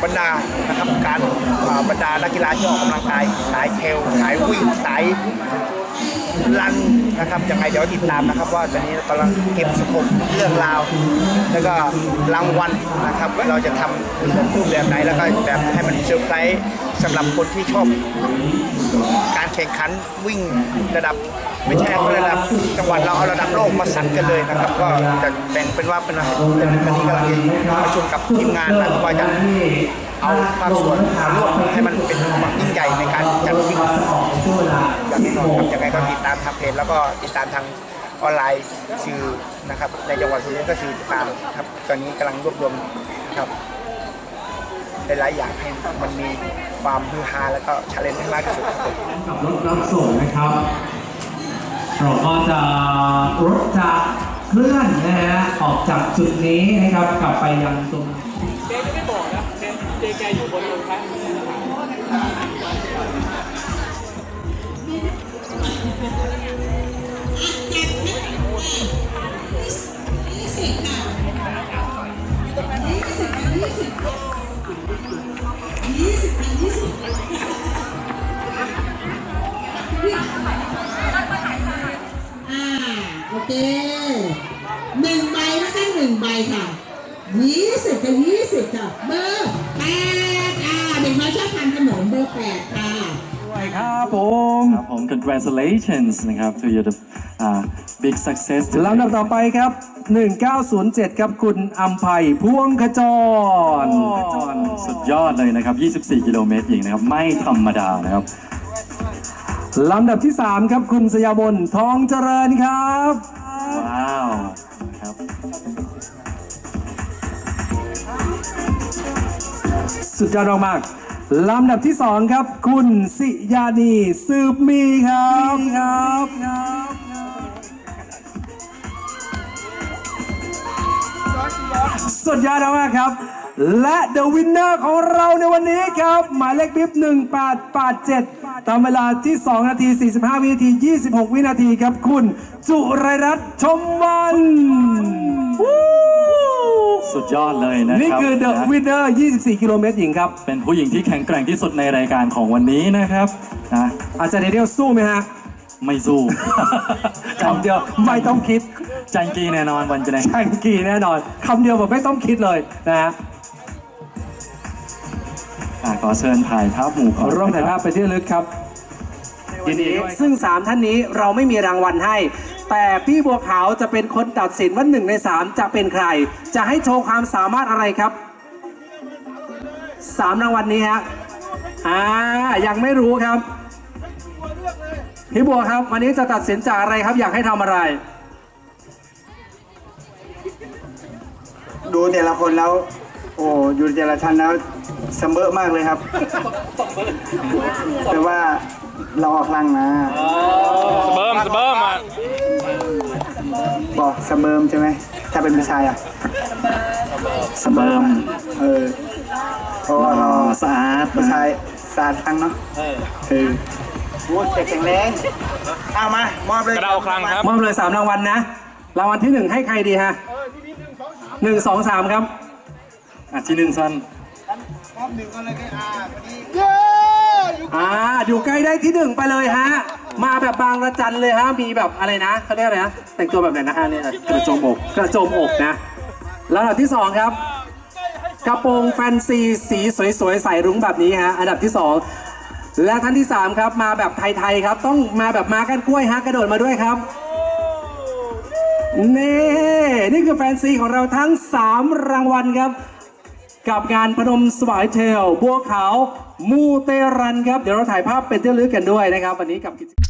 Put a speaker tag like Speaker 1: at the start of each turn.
Speaker 1: บรรดานะครับการบรรดานักกีฬาที่ออกกำลังกายสายเทรลสายวิ่งสายรันนะครับยังไงเดี๋ยวติดตามนะครับว่าตอนนี้กำลังเก็บสรุปเรื่องราวแล้วก็รางวัลนะครับเราจะทำรูปแบบไหนแล้วก็แบบให้มันเซอร์ไพรส์สำหรับคนที่ชอบการแข่งขันวิ่งระดับไม่ใช่ระดับจังหวัดเราเอาระดับโลกมาสั่นกันเลยนะครับก็จะแบ่งเป็นว่าเป็นวันนี้กำลังประชุมกับทีมงานนะว่าจะเอาภาคส่วนร่วมให้มันเป็นความยิ่งใหญ่ในการจัดวิ่งอย่างนี้ครับยังไงก็ติดตามทางเพจแล้วก็ติดตามทางออนไลน์สื่อนะครับในจังหวัดสุรินทร์ก็สื่อติดตามครับตอนนี้กำลังรวบรวมครับหลายอย่างให้มันมีความฮือฮาแล้วก็ชาเลนจ์ให้มากที่สุดครับ
Speaker 2: กับรถรับส่งนะครับเราก็จะรถจะเคลื่อนนะฮะออกจากจุดนี้นะครับกลับไปยังตรง
Speaker 3: เจจะไม่บอกนะเจแกอยู่บนโรงพัก
Speaker 4: โอเค1 ใบนะคะ1 ใบค่ะ20กับ20ค่ะเบอร์8เด็กน้อยชอบทานขนมเบอร์8ค่ะ
Speaker 2: ด้วยครับผม
Speaker 5: congratulations นะครับ to your big success
Speaker 2: ลำดับต่อไปครับ1907ครับคุณอัมไพพวงขจร
Speaker 5: สุดยอดเลยนะครับ24 กิโลเมตรหญิงนะครับไม่ธรรมดานะครับ
Speaker 2: ลำดับที่3ครับคุณสยามนทองเจริญครับ
Speaker 5: ว้าวครับ
Speaker 2: สุดยอดมากลำดับที่2ครับคุณสิยานีสืบมีครับสุดยอดมากครับและ The Winner ของเราในวันนี้ครับหมายเลขบิ๊บ1887ตามเวลาที่2 นาที 45 วินาที 26 วินาทีครับคุณจุไรรัตน์ชมวัน
Speaker 5: สุดยอดเลยนะครับ
Speaker 2: นี่คือ The Winner 24 กิโลเมตรหญิงครับ
Speaker 5: เป็นผู้หญิงที่แข็งแกร่งที่สุดในรายการของวันนี้นะครับ
Speaker 2: อาจารย์เดลสู้ไหมฮะ
Speaker 5: ไม่สู้
Speaker 2: คำเดียวไม่ต้องคิด
Speaker 5: จังกีแน่นอนวันจะไหน
Speaker 2: จังกีแน่นอนคำเดียวแบบไม่ต้องคิดเลยนะฮะ
Speaker 5: ขอเชิญถ่ายภาพหมู่ก่อน
Speaker 2: ร่วมถ่ายภาพไปที่ระลึกครับยินดีซึ่ง3ท่านนี้เราไม่มีรางวัลให้แต่พี่บัวขาวจะเป็นคนตัดสินว่า1 ใน 3จะเป็นใครจะให้โชว์ความสามารถอะไรครับ3 รางวัลนี้ฮะยังไม่รู้ครับพี่บัวครับวันนี้จะตัดสินจากอะไรครับอยากให้ทำอะไร
Speaker 1: ดูแต่ละคนแล้วโอ้อยู่แต่ละชั้นแล้วเสมอมากเลยครับแต่ว่าเราออกลังนะ
Speaker 3: สเบิร์มอ่ะ
Speaker 1: บอกเสมอใช่ไหมถ้าเป็นผู้ชายอ่ะ
Speaker 5: เสมอ
Speaker 1: เพราะว่าเรา
Speaker 5: สะอาด
Speaker 1: ผู้ชายสะอาดครั้งเนาะโอ้แข็งแรงเอามามอบเลย
Speaker 3: กระเดาครั้งครับ
Speaker 2: มอบเลย3 รางวัลนะรางวัลที่1ให้ใครดีฮะ1 2 3ครับ
Speaker 5: ที่1สั้น
Speaker 1: มอบ1อะไรกัน
Speaker 2: อยู่ใกล้ได้ที่1ไปเลยฮะมาแบบบางระจันเลยฮะมีแบบอะไรนะเขาเรียกอะไรนะแต่งตัวแบบไหนนะฮะเนี่ย
Speaker 5: กระโจม
Speaker 2: อกนะแล้วอันดับที่2ครับกระโปรงแฟนซีสีสวยๆใส่รุ้งแบบนี้ฮะอันดับที่2และท่านที่3ครับมาแบบไทยๆครับต้องมาแบบมากันกล้วยฮะกระโดดมาด้วยครับนี่คือแฟนซีของเราทั้ง3 รางวัลครับกับงานพนมสวายเทลบัวขาวมูเตรันครับเดี๋ยวเราถ่ายภาพเป็นที่ระลึกกันด้วยนะครับวันนี้กับ